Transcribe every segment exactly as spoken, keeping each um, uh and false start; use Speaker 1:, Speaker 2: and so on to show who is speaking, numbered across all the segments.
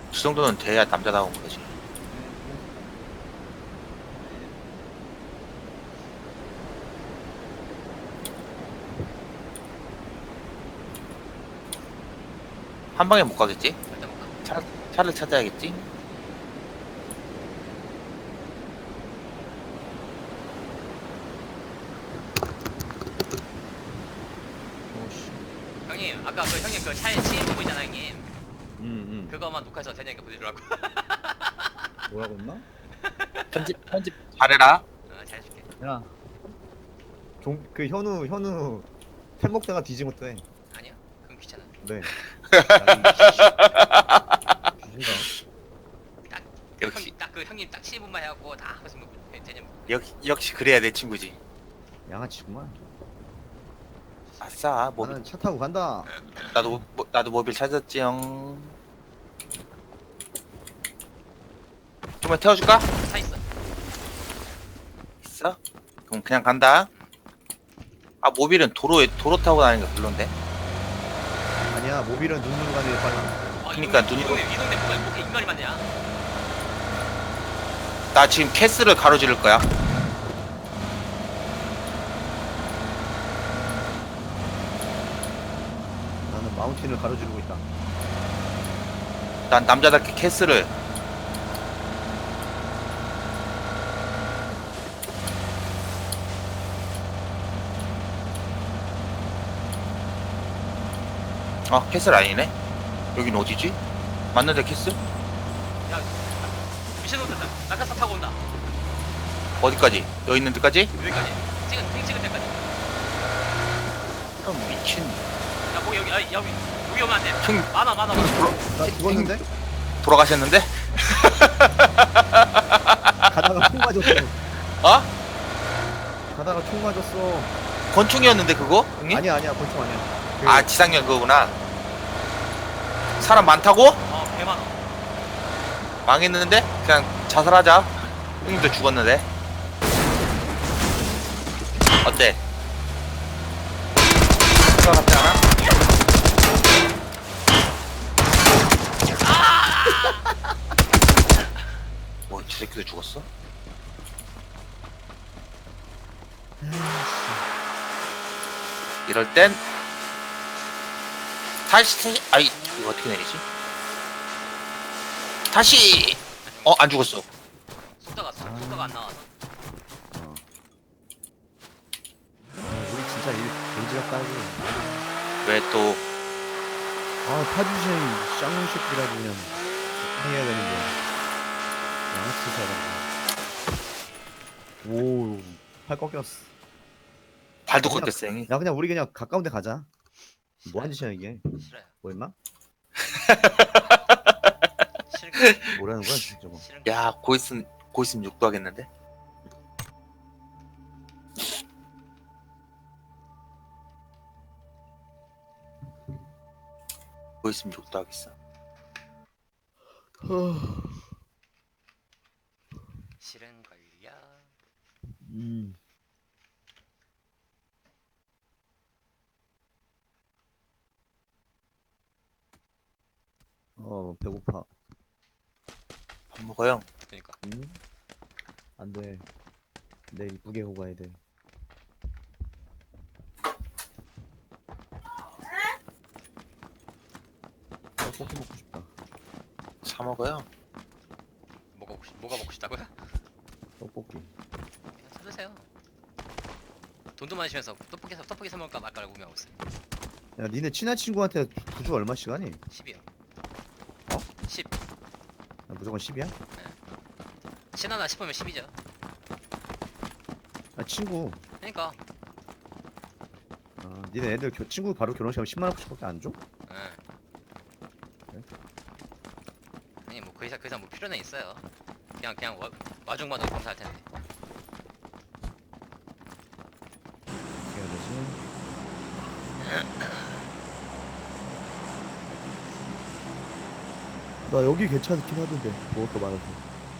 Speaker 1: 그 정도는 돼야 남자다운 거지. 한 방에 못 가겠지?
Speaker 2: 절대 못 가.
Speaker 1: 차, 차를 찾아야겠지?
Speaker 3: 오씨.
Speaker 2: 형님 아까 그 형님 그 차에 시인 부분 있잖아 형님.
Speaker 3: 응응.
Speaker 2: 그거만 녹화해서 대장님께 보내주라고.
Speaker 3: 뭐라고 했나?
Speaker 1: 편집, 편집 잘해라.
Speaker 2: 어, 잘해줄게.
Speaker 3: 야. 종 그 현우 현우 템 먹다가 뒤진 것도 해.
Speaker 2: 아니야? 그럼 귀찮아.
Speaker 3: 네. 주신다.
Speaker 2: 딱
Speaker 1: 역시,
Speaker 2: 딱 그 형님 딱 시인 부분만 해갖고 다 하고 있으면 대장.
Speaker 1: 역시, 역시 그래야 내 친구지.
Speaker 3: 양아치구만.
Speaker 1: 아싸, 모빌.
Speaker 3: 나는 차 타고 간다.
Speaker 1: 나도, 모, 나도 모빌 찾았지영. 좀만 태워줄까?
Speaker 2: 차 있어.
Speaker 1: 있어? 그럼 그냥 간다. 아, 모빌은 도로에, 도로 타고 다니는 거 별론데.
Speaker 3: 아니야 모빌은 눈으로 가는 게 빨라.
Speaker 2: 아,
Speaker 1: 그러니까
Speaker 2: 이 동네,
Speaker 1: 눈이-
Speaker 2: 이 동네 이 동네 뭐가 이렇게 인간이 많냐?
Speaker 1: 나 지금 캐스를 가로지를 거야.
Speaker 3: 나는 마운틴을 가로지르고 있다.
Speaker 1: 난 남자답게 캐스를. 아, 캐슬 아니네? 여긴 어디지? 맞는데 캐슬?
Speaker 2: 야 미친놈들 낙하산 타고 온다.
Speaker 1: 어디까지? 여기 있는 데까지?
Speaker 2: 여기까지. 찍은 핑 찍은 데까지.
Speaker 1: 아, 미친.
Speaker 2: 야 거기 여기 아, 여기 여기 오면 안 돼.
Speaker 1: 총
Speaker 2: 많아 많아 많아.
Speaker 1: 돌아,
Speaker 3: 나 죽었는데?
Speaker 1: 돌아가셨는데?
Speaker 3: 가다가 총 맞았어.
Speaker 1: 어?
Speaker 3: 가다가 총 맞았어.
Speaker 1: 권총이었는데 그거? 형님?
Speaker 3: 아니야 아니야 권총 아니야. 그,
Speaker 1: 아, 지상렬 그거구나. 사람 많다고?
Speaker 2: 어 개 많아.
Speaker 1: 망했는데? 그냥 자살하자. 형님도 죽었는데. 어때? 그거 같지 않아? 뭐, 저 새끼도 죽었어? 이럴 땐 다시 아이 이거 어떻게 내리지? 다시 어 안 죽었어.
Speaker 2: 속도가 속도가 안 나와서.
Speaker 3: 어. 아, 우리 진짜 일 개지럽다 하지.
Speaker 1: 왜 또
Speaker 3: 아 타주신 쌍놈 새끼라고 그냥 해야 되는데 양아치 사람. 오팔 꺾였어.
Speaker 1: 발도
Speaker 3: 그냥-
Speaker 1: 꺾였어 형이.
Speaker 3: 야 그냥 우리 그냥 가까운 데 가자. 뭐하는 짓이야 이게.
Speaker 2: 싫어요.
Speaker 3: 뭐 했나?
Speaker 2: 싫은 거
Speaker 3: 뭐라는 거야 저거.
Speaker 2: 싫은 거.
Speaker 1: 야 고있음 고있음 욕도 하겠는데. 고있음 욕도 하겠어.
Speaker 2: 싫은 걸요.
Speaker 3: 음. 어 배고파.
Speaker 1: 밥 먹어요.
Speaker 2: 그러니까.
Speaker 3: 음? 안돼. 내일 이쁘게 오고 가야 돼. 떡볶이 먹고 싶다.
Speaker 1: 사 먹어요.
Speaker 2: 뭐가 먹고 싶, 뭐가 먹고 싶다고요?
Speaker 3: 떡볶이.
Speaker 2: 그냥 사드세요. 돈도 많으시면서 떡볶이 사 떡볶이 사 먹을까 말까를 고민하고 있어요.
Speaker 3: 야 니네 친한 친구한테 부주 얼마씩 하니?
Speaker 2: 십이요.
Speaker 3: 어?
Speaker 2: 십.
Speaker 3: 야, 무조건 십이야?
Speaker 2: 신하나 싶으면 십이죠.
Speaker 3: 아 친구.
Speaker 2: 그러니까.
Speaker 3: 아 니네 애들 겨, 친구 바로 결혼식하면 십만 원씩밖에 안 줘?
Speaker 2: 예.
Speaker 3: 그래?
Speaker 2: 아니 뭐그 이상 그 이상 뭐 필요는 있어요. 그냥 그냥 와, 와중마다 감사할 텐데.
Speaker 3: 어떻게 해야 되지? 나 여기 괜찮긴 하던데 먹을 거 많아서.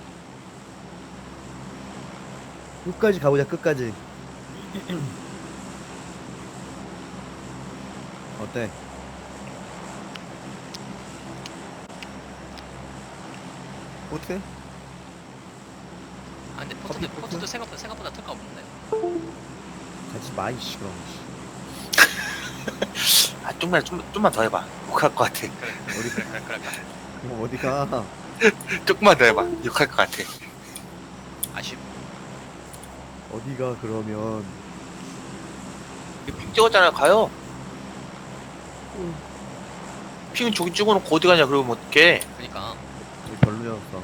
Speaker 3: 끝까지 가보자 끝까지. 어때? 어때?
Speaker 2: 아 근데
Speaker 3: 커피,
Speaker 2: 포트도
Speaker 3: 포트?
Speaker 2: 포트도 생각보다 생각보다 특가 없는데.
Speaker 3: 가지 마 이씨 그럼.
Speaker 1: 아 좀만 좀, 좀만 더 해봐. 욕할 것 같아.
Speaker 2: 그래
Speaker 3: 어디
Speaker 2: 그래 그래 그럴까.
Speaker 3: 그럼 어디가?
Speaker 1: 조금만 더 해봐. 욕할 것 같아.
Speaker 2: 아쉽.
Speaker 3: 어디가 그러면?
Speaker 1: 핑 찍었잖아요. 가요. 핑 저기 찍어놓고 어디 가냐 그러면 어떡해.
Speaker 2: 그니까
Speaker 3: 여기 별로였어.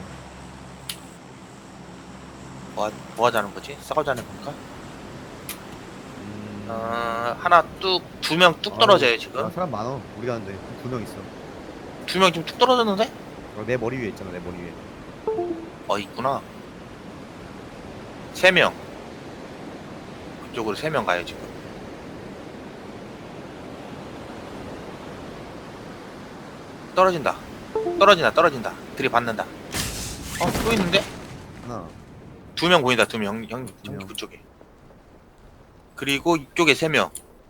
Speaker 1: 뭐, 하- 뭐 하자는 거지? 싸우자는 건가?
Speaker 3: 음...
Speaker 1: 어, 하나 뚝, 두 명 뚝 떨어져요
Speaker 3: 아,
Speaker 1: 지금.
Speaker 3: 사람 많어. 우리 가는데 두 명 있어.
Speaker 1: 두 명 지금 뚝 떨어졌는데?
Speaker 3: 어, 내 머리 위에 있잖아. 내 머리 위에.
Speaker 1: 어 있구나. 세 명. 그쪽으로 세 명 가요 지금. 떨어진다. 떨어진다. 떨어진다. 들이받는다. 어, 또 있는데?
Speaker 3: 하나.
Speaker 1: 두 명 보인다. 두 명. 형,
Speaker 3: 두
Speaker 1: 형
Speaker 3: 명.
Speaker 1: 그쪽에. 그리고 이쪽에 세 명.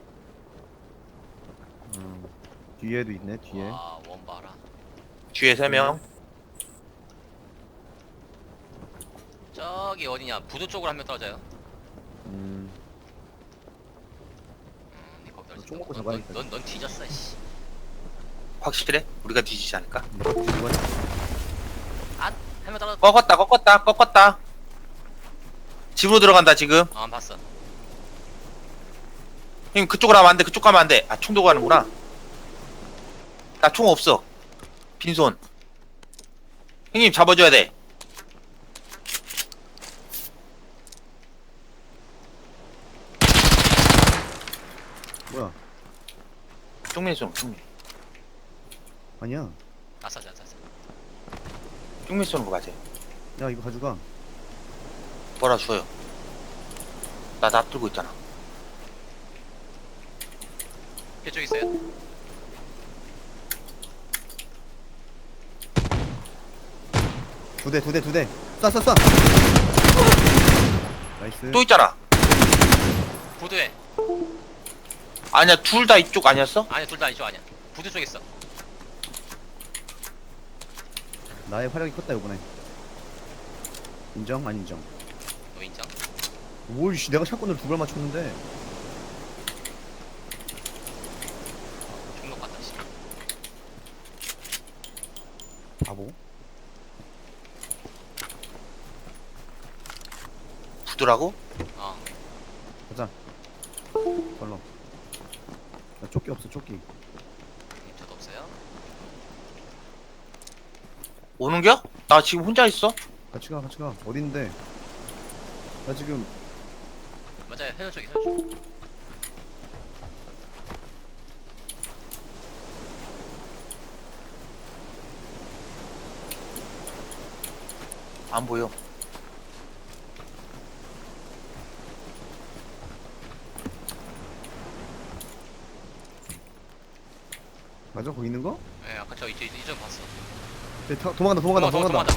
Speaker 3: 음, 뒤에도 있네. 뒤에.
Speaker 2: 와 원바라.
Speaker 1: 뒤에 세 명.
Speaker 2: 저기 어디냐 부두 쪽으로 한 명 떨어져요.
Speaker 3: 음,
Speaker 2: 음 거기 떨어져.
Speaker 3: 총 먹고
Speaker 2: 넌-
Speaker 3: 잡아야겠다.
Speaker 2: 넌, 넌, 넌 뒤졌어 씨.
Speaker 1: 확실해? 우리가 뒤지지 않을까?
Speaker 3: 너가 누가?
Speaker 2: 한 명 떨어졌.
Speaker 1: 꺾었다. 꺾었다. 꺾었다. 집으로 들어간다 지금.
Speaker 2: 어안 봤어.
Speaker 1: 형 그쪽으로 가면 안 돼. 그쪽 가면 안 돼. 아, 총 들고 가는구나. 나 총 없어. 빈손. 형님 잡아줘야 돼.
Speaker 3: 뭐야?
Speaker 1: 쪽맨 쏘는 거, 쪽맨.
Speaker 3: 아니야.
Speaker 2: 아싸 아싸 아싸.
Speaker 1: 쪽맨 쏘는 거 맞아요.
Speaker 3: 야 이거 가져가.
Speaker 1: 뭐라 줘요. 나 나 들고 있잖아.
Speaker 2: 이쪽 있어요.
Speaker 3: 두 대, 두 대, 두 대. 쏴, 쏴, 쏴. 나이스.
Speaker 1: 또 있잖아.
Speaker 2: 부두에.
Speaker 1: 아니야, 둘 다 이쪽 아니었어?
Speaker 2: 아니 둘 다 이쪽 아니야. 부두 쪽에 있어.
Speaker 3: 나의 활약이 컸다 이번에. 인정? 안 인정?
Speaker 2: 너 인정?
Speaker 3: 오이씨, 내가 샷건을 두 발 맞췄는데.
Speaker 2: 중독 같다 씨.
Speaker 3: 바보.
Speaker 1: 부두라고?
Speaker 2: 어.
Speaker 3: 가자. 걸러. 나 조끼 없어, 조끼.
Speaker 2: 저도 없어요.
Speaker 1: 오는겨? 나 지금 혼자 있어.
Speaker 3: 같이 가, 같이 가. 어딘데? 나 지금
Speaker 2: 맞아요. 해녀 쪽에 해녀 쪽.
Speaker 1: 안 보여.
Speaker 3: 맞아? 거기 있는 거?
Speaker 2: 예, 아까 저 이쪽 이쪽 봤어.
Speaker 3: 네, 타, 도망간다, 도망간다, 도망간다.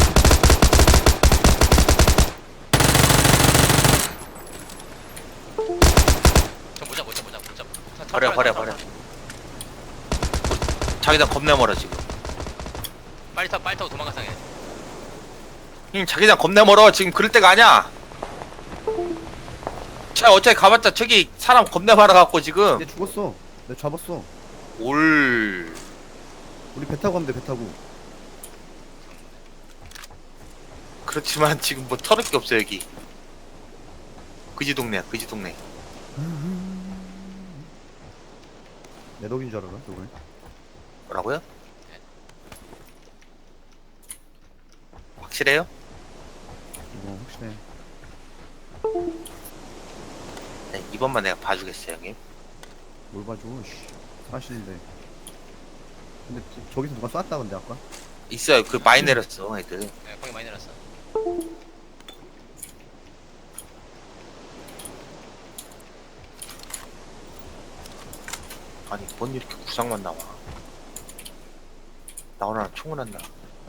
Speaker 2: 저 모자 모자 모자 모자. 차- 차
Speaker 1: 버려, 버려,
Speaker 2: 차-
Speaker 1: 버려. 자기장 겁내 멀어 지금.
Speaker 2: 빨리 타 빨리 타고 도망가상 해.
Speaker 1: 형님 자기장 겁내 멀어. 지금 그럴 때가 아니야. 자, 어차피 가봤자 저기 사람 겁내 많아갖고 지금.
Speaker 3: 얘 죽었어. 내가 잡았어.
Speaker 1: 올.
Speaker 3: 우리 배 타고 가면 돼, 배 타고.
Speaker 1: 그렇지만 지금 뭐 털을 게 없어 여기. 그지 동네야, 그지 동네.
Speaker 3: 내 덕인 줄 알아, 저번에.
Speaker 1: 뭐라고요? 확실해요?
Speaker 3: 이거 확실해.
Speaker 1: 네, 이번만 내가 봐주겠어요, 형님.
Speaker 3: 뭘 봐줘, 씨. 사실인데. 근데 저- 저기서 누가 쐈다, 근데 아까?
Speaker 1: 있어요. 그 많이 내렸어, 애들.
Speaker 2: 네, 거기 많이 내렸어.
Speaker 1: 아니, 뭔 이렇게 구상만 나와. 나오나 총을 한다.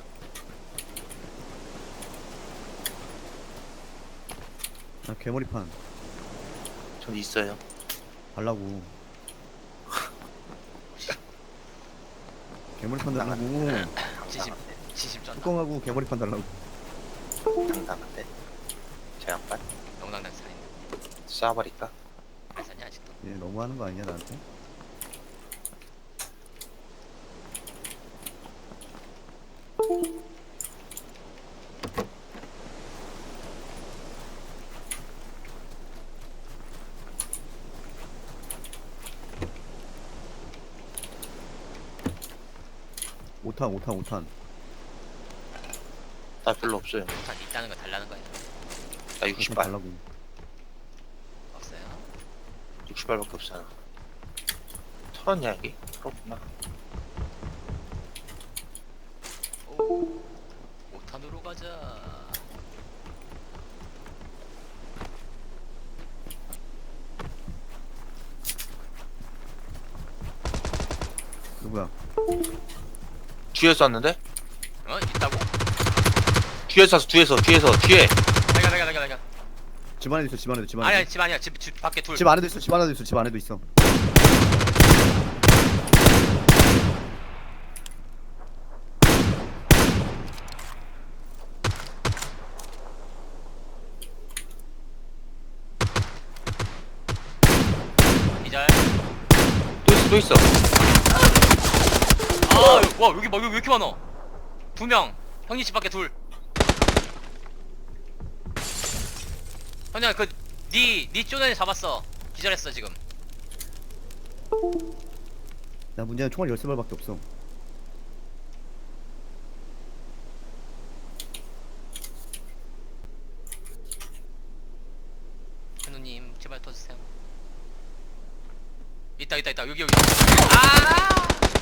Speaker 3: 나 괴머리판
Speaker 1: 전 있어요.
Speaker 3: 달라고. 괴머리판 달라고.
Speaker 2: 지지 진심 쩐다.
Speaker 3: 뚜껑하고 개머리판 달라고.
Speaker 1: 당당한데. 저 양반
Speaker 2: 영당당 살인데.
Speaker 1: 쏴버릴까?
Speaker 2: 안 사냐 아직도?
Speaker 3: 얘 너무하는 거 아니냐 나한테? 오탄 오탄 오탄.
Speaker 1: 나 별로 없어요.
Speaker 2: 다 있다는 거 달라는 거야.
Speaker 1: 나 육십 발.
Speaker 3: 달라고.
Speaker 2: 없어요.
Speaker 1: 육십 발밖에 없잖아. 털었냐 여기? 털었구나.
Speaker 2: 오. 오탄으로 가자.
Speaker 3: 누구야?
Speaker 1: 뒤에 쐈는데?
Speaker 2: 어? 있다고?
Speaker 1: 뒤에 쐈어 뒤에서 뒤에서 뒤에.
Speaker 2: 내가 내가 내가 내가.
Speaker 3: 집 안에도 있어 집 안에도 집
Speaker 2: 아니야
Speaker 3: 안에도.
Speaker 2: 집 아니야 집, 집 밖에 둘.
Speaker 3: 집 안에도 있어 집 안에도 있어 집 안에도 있어.
Speaker 2: 기절.
Speaker 1: 또 있어 또 있어.
Speaker 2: 아, 와 여기 뭐 여기 왜 이렇게 많어? 두 명. 형님 집 밖에 둘. 형님 그니니 쪼는 잡았어. 기절했어 지금.
Speaker 3: 나 문제는 총알 열세 발밖에 없어.
Speaker 2: 현우님 제발 터주세요. 있다 있다 있다 여기 여기. 아!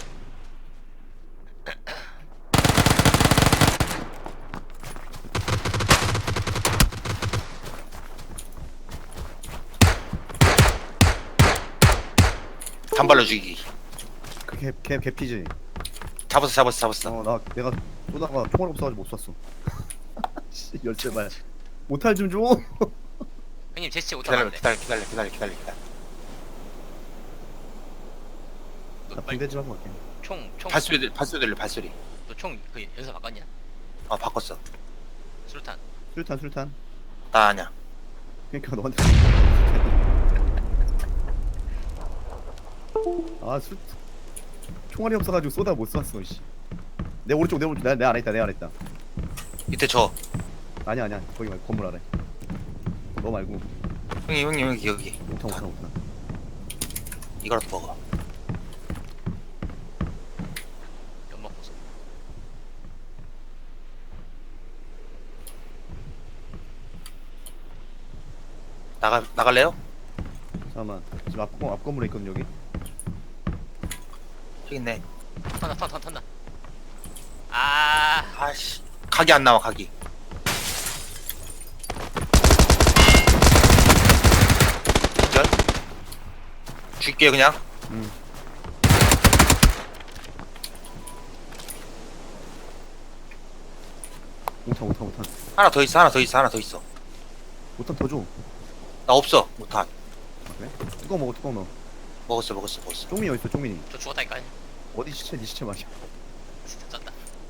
Speaker 1: 단발로 죽이기.
Speaker 3: 그개개 개피지.
Speaker 1: 잡았어 잡았어 잡았어.
Speaker 3: 어 나 내가 쏘다가 총알 없어가지고 못 쐈어. 씨 열세 발. 오탈 좀 줘.
Speaker 2: 형님 제 시체
Speaker 1: 기다려
Speaker 2: 오타는데.
Speaker 1: 기다려 기다려 기다려 기다려 기다려.
Speaker 3: 나 붕대 좀 하고 갈게.
Speaker 2: 총총
Speaker 1: 발소리 들 발소리 들려 발소리.
Speaker 2: 너총 그 연사 바꿨냐?
Speaker 1: 아 바꿨어.
Speaker 2: 수류탄.
Speaker 3: 술탄 술탄.
Speaker 1: 나 아냐.
Speaker 3: 그러니까 너한테. 아 술. 총알이 없어가지고 쏘다 못 쐈어. 씨. 내 오른쪽 내 오른쪽 내, 내 안에 있다 내 안에 있다.
Speaker 1: 밑에 저.
Speaker 3: 아니야 아니야 거기 말고 건물 아래. 너 말고.
Speaker 1: 형님 형님 여기 여기.
Speaker 3: 오탄 오탄 오탄.
Speaker 1: 이거라도 먹어.
Speaker 2: 연막 보소.
Speaker 1: 나가 나갈래요?
Speaker 3: 잠깐만 지금 앞, 건- 앞 건물에 있거든 여기.
Speaker 1: 저기 있네.
Speaker 2: 턴다 턴턴 턴다. 아.
Speaker 1: 아씨 각이 안 나와 각이. 기절. 줄게 그냥.
Speaker 3: 응. 오탄 오탄 오탄.
Speaker 1: 하나 더 있어 하나 더 있어 하나 더 있어.
Speaker 3: 오탄 더 줘.
Speaker 1: 나 없어 못한.
Speaker 3: 아, 그래? 뚜껑 먹어 뚜껑 먹어.
Speaker 1: 먹었어 먹었어 먹었어.
Speaker 3: 쪽민이 어딨어 쪽민이.
Speaker 2: 저 죽었다니까.
Speaker 3: 어디 시체 네 시체 말이야.
Speaker 2: 진짜 쩐다.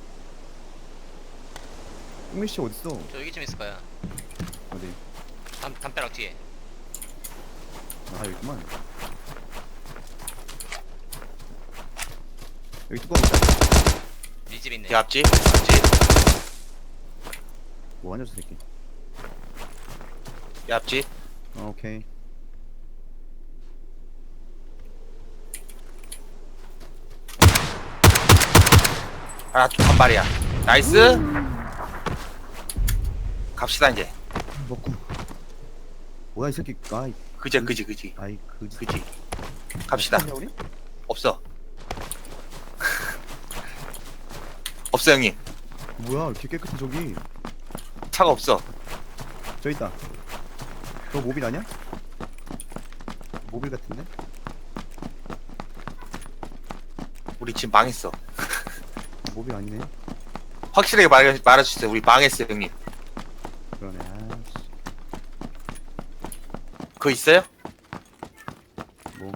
Speaker 3: 쪽민 시체 어딨어.
Speaker 2: 저 여기쯤 있을 거야.
Speaker 3: 어디.
Speaker 2: 담 담벼락 뒤에.
Speaker 3: 아 여기구만. 여기 뚜껑 있다.
Speaker 2: 네 집에 있네.
Speaker 1: 내 앞집 앞집
Speaker 3: 뭐하냐 저 새끼.
Speaker 1: 내 앞집.
Speaker 3: 어, 오케이.
Speaker 1: 하나 한 발이야. 나이스. 갑시다 이제.
Speaker 3: 먹고. 뭐야 이 새끼. 아이
Speaker 1: 그지 그지 그지
Speaker 3: 아이 그지.
Speaker 1: 그지. 갑시다.
Speaker 3: 있냐, 우리?
Speaker 1: 없어. 없어 형님.
Speaker 3: 뭐야 이렇게 깨끗해 저기.
Speaker 1: 차가 없어.
Speaker 3: 저 있다. 저 모빌 아니야? 모빌 같은데?
Speaker 1: 우리 지금 망했어.
Speaker 3: 모빌 아니네.
Speaker 1: 확실하게 말, 말해주세요. 우리 망했어요 형님.
Speaker 3: 그러네. 아씨.
Speaker 1: 그거 있어요?
Speaker 3: 뭐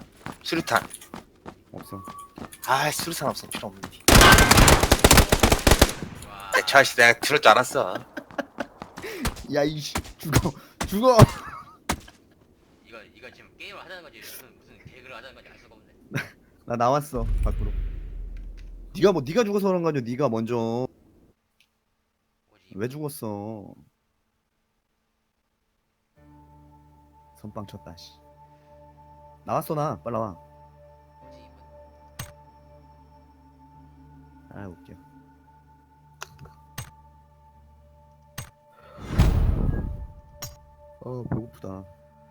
Speaker 1: 아, 자식 내가 들을 줄 알았어.
Speaker 3: 야 이씨 죽어 죽어.
Speaker 2: 이거 이거 지금 게임을 하자는 건지 무슨 무슨 개그를 하자는 건지 알 수가 없네.
Speaker 3: 나 나왔어 밖으로. 네가 뭐 네가 죽어서 그런 거 아니야? 네가 먼저
Speaker 2: 뭐지?
Speaker 3: 왜 죽었어? 선빵 쳤다 씨. 나왔어 나 빨리 나와.
Speaker 2: 뭐지 이분?
Speaker 3: 아 웃겨. 어 배고프다.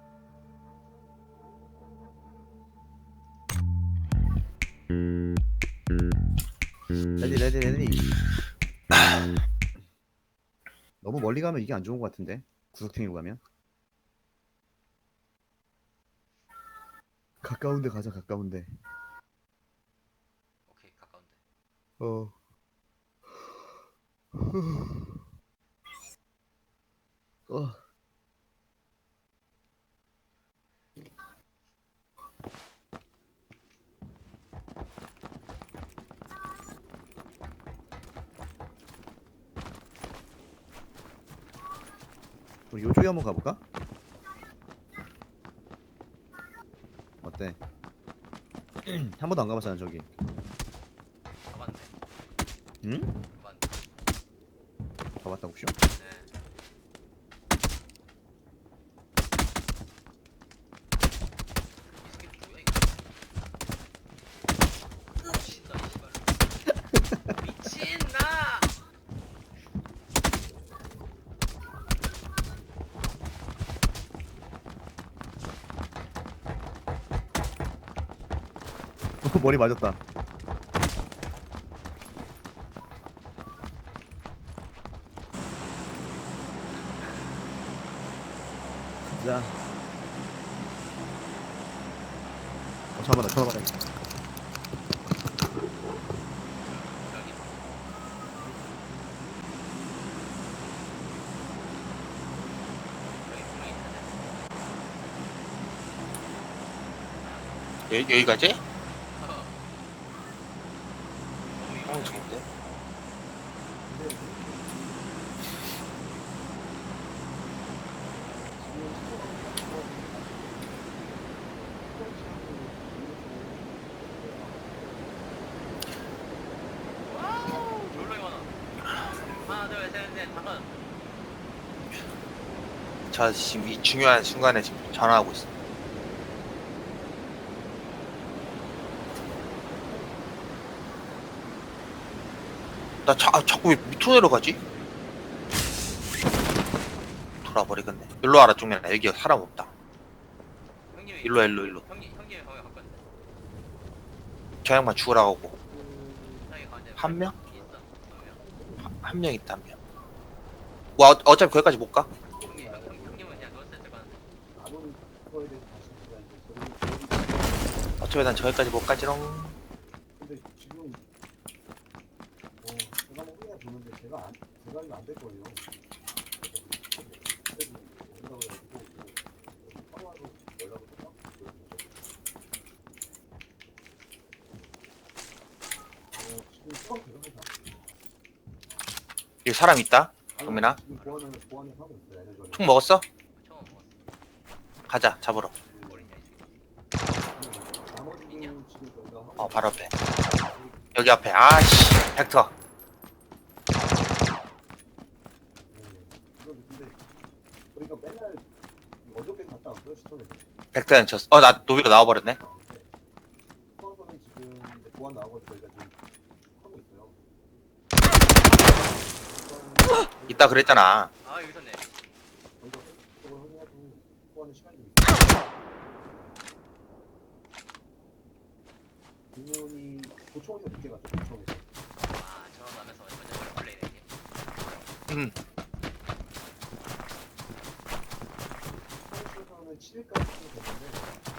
Speaker 3: 레디 레디 레디. 너무 멀리 가면 이게 안 좋은 것 같은데 구석탱이로 가면. 가까운데 가자 가까운데.
Speaker 2: 오케이 가까운데.
Speaker 3: 어. 어. 우리 요쪽에 한번 가볼까? 어때? 한 번도 안 가봤잖아 저기.
Speaker 2: 가봤는데.
Speaker 3: 응?
Speaker 2: 가봤는데.
Speaker 3: 가봤다 혹시?
Speaker 2: 네. 이 새끼 뭐야 이거? 미친다 이 씨발. 미친나.
Speaker 3: 머리 맞았다. 자. 어 잠깐만 나 전화 받아야겠다.
Speaker 2: 여기. 여기 분명히 있는데.
Speaker 1: 여, 여기까지?
Speaker 2: 어. 너무
Speaker 1: 어,
Speaker 2: 이거
Speaker 1: 좋은데?
Speaker 2: 와우 졸라 많아. 하나 둘셋넷 다섯.
Speaker 1: 저 지금 이 중요한 순간에 지금 전화하고 있어. 나 자, 아, 자꾸 왜 밑으로 내려가지? 돌아버리겠네. 일로 와라 쪽내나 여기 사람 없다.
Speaker 2: 형님이
Speaker 1: 일로 와, 일로 일로.
Speaker 2: 형님 형님이 거기 갖고 왔는데.
Speaker 1: 저 양반 죽으라고 하고.
Speaker 2: 형이 가운데
Speaker 1: 한 명?
Speaker 2: 있어. 한 명.
Speaker 1: 한- 한 명 있다 한 명. 와 어, 어차피 거기까지 못 가.
Speaker 2: 형님 형, 형, 형님은 그냥 넣었을 때 가는데.
Speaker 1: 어차피 난 저기까지 못 가지롱.
Speaker 4: 근데 지금 어 제가 뭐 그냥 보는데 제가 안 제가 이거 안될 거예요. 지금 수강 대상자
Speaker 1: 여기 사람 있다. 경민아.
Speaker 4: 지금 보안을 보안을 하고 있어요. 예전에.
Speaker 1: 총 먹었어?
Speaker 2: 처음 먹었어.
Speaker 1: 가자 잡으러.
Speaker 2: 어린이야 이 새끼.
Speaker 4: 나머지는 지금 저희가 하고
Speaker 1: 어 바로 앞에. 여기 앞에. 아씨 벡터.
Speaker 4: 있는데 근데 저희가 맨날 어저께 갔다 왔어요 시청에서.
Speaker 1: 벡터는 쳤어. 어나 노비가 나와버렸네.
Speaker 4: 수강선은 지금 이제 보안 나오고 저희가 지금 하고 있어요.
Speaker 1: 이따 그랬잖아.
Speaker 2: 아 여기 있었네.
Speaker 4: 저희가 그걸 확인하고 보안의 시간이 좀 있어요. 공무원이 도청에서 늦게 갔죠. 도청에서.
Speaker 2: 아 전화 나면서 완전 플레이네 이게.
Speaker 1: 음.
Speaker 4: 서울시에서는 칠 일까지 됐는데